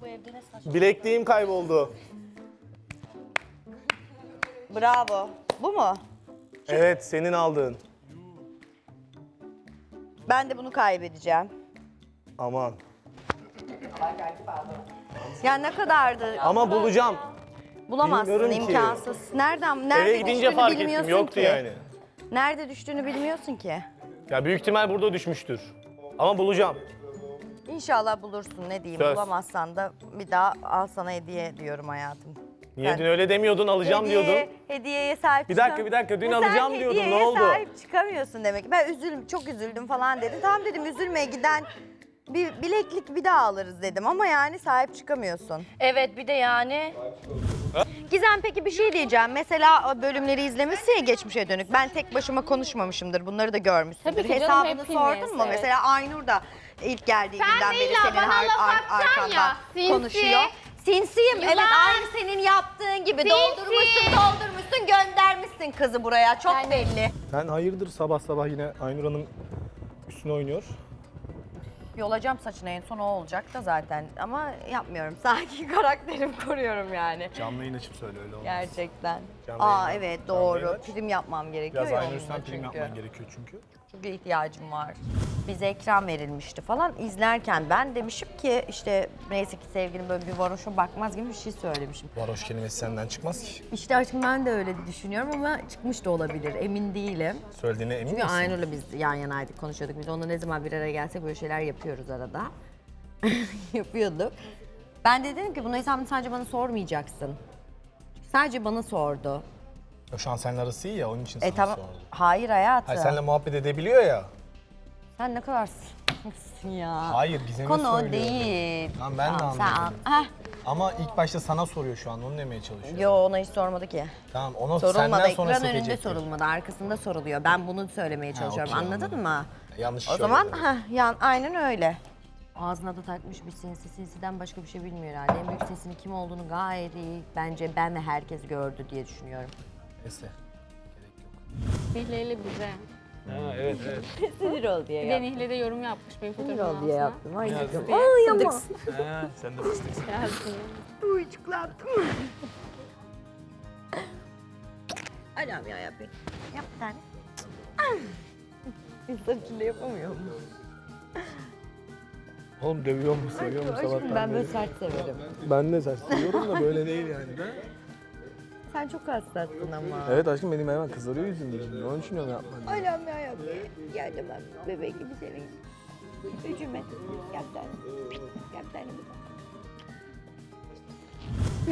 evde ne saçma. Bilekliğim kayboldu. Bravo. Bu mu? Evet, senin aldığın. Ben de bunu kaybedeceğim. Aman. Ya ne kadardı? Ama bulacağım. Bulamazsın, bilmiyorum ki. imkansız. Nerede Eve gidince düştüğünü fark ettim, bilmiyorsun yoktu ki. yani. Nerede düştüğünü bilmiyorsun ki. Ya büyük ihtimal burada düşmüştür. Ama bulacağım. İnşallah bulursun, ne diyeyim. Söz. Bulamazsan da bir daha al sana hediye diyorum hayatım. Niye Sen- dün öyle demiyordun, alacağım diyordun. Hediyeye sahip Bir dakika, dün alacağım diyordun, ne oldu? Hediyeye sahip çıkamıyorsun demek ki. Ben çok üzüldüm falan dedim. Tamam dedim, üzülmeye giden bir bileklik bir daha alırız dedim. Ama yani sahip çıkamıyorsun. Evet, bir de yani... Gizem, peki bir şey diyeceğim. Mesela bölümleri izlemişsin ya geçmişe dönük. Ben tek başıma konuşmamışımdır. Bunları da görmüşsündür. Tabii ki canım, Hesabını hepimiz, sordun mu? evet. Mesela Aynur da ilk geldiği günden beri illa senin bana laf atacaksın arkanda ya, sinsi. konuşuyor. Sinsiyim. Evet, Yılan. aynı senin yaptığın gibi. Doldurmuşsun, göndermişsin kızı buraya. Çok belli. Sen hayırdır sabah sabah yine Aynur Hanım üstüne oynuyor. Yolacağım saçına, en son o olacak da zaten. Ama yapmıyorum. Sakin karakterimi koruyorum yani. Canlı yayın açıp söyle öyle olmaz. Gerçekten. Canlı Aa yayın aç. evet, Canlı yayın doğru. aç. Prim yapmam gerekiyor Biraz ya Aynur onunla üstten prim çünkü. yapman gerekiyor çünkü. Çünkü ihtiyacım var. Bize ekran verilmişti falan. İzlerken ben demişim ki işte neyse ki sevgilim böyle bir varoşa bakmaz gibi bir şey söylemişim. Varoş kelimesi senden çıkmaz ki. İşte aşkım ben de öyle düşünüyorum ama çıkmış da olabilir. Emin değilim. Söylediğine emin Çünkü misin? Aynur'la biz yan yanaydık, konuşuyorduk. Biz onunla ne zaman bir araya gelsek böyle şeyler yapıyoruz arada. Yapıyorduk. Ben de dedim ki bunu hesabını sadece bana sormayacaksın. Sadece bana sordu. O şu an seninle arası iyi ya, onun için sana Tamam. sordu. Hayır hayatım. Hayır, seninle muhabbet edebiliyor ya. Sen ne kadar s***sın ya. Hayır, Gizem'e Konu o söylüyor. değil. Tamam, ben de Tamam, sen anladım. Heh. Ama ilk başta sana soruyor şu an, onu demeye çalışıyor. Yo, ona hiç sormadı ki. Tamam, ona Sorulmadı, senden sonra ekran önünde sekecek. sorulmadı, arkasında soruluyor. Ben bunu söylemeye çalışıyorum, okey, anladın anladım. mı? Yanlış O zaman söylüyorum. aynen öyle. Ağzına da takmış bir sinsiden başka bir şey bilmiyor herhalde. En büyük sinsinin kim olduğunu gayet iyi, bence ben ve herkes gördü diye düşünüyorum. Neyse. Nihleli bize. Ha, evet. Sinir ol diye Bir de Nihle de yorum yapmış benim Sinir fotoğrafımın ol diye altına. yaptım. Ay Yazdı canım. diye. Ay ama. Ha, sen de fıstıksın. Yazdı. Uyucuklandım. Anam ya yapayım. Yap bir tane. İnsan içinde yapamıyor mu? Oğlum dövüyor mu, seviyor mu sabahtan Ben böyle beri? sert severim. Ben de sert seviyorum da böyle değil yani. Sen çok hassassın ama. Evet aşkım, benim hemen kızarıyor yüzüm şimdi. Onun için onu yapmadım. Anam ya yapayım. Yardım et. Bebek gibi seveyim. Üzülme. Yap bir tane. Yap bir tane.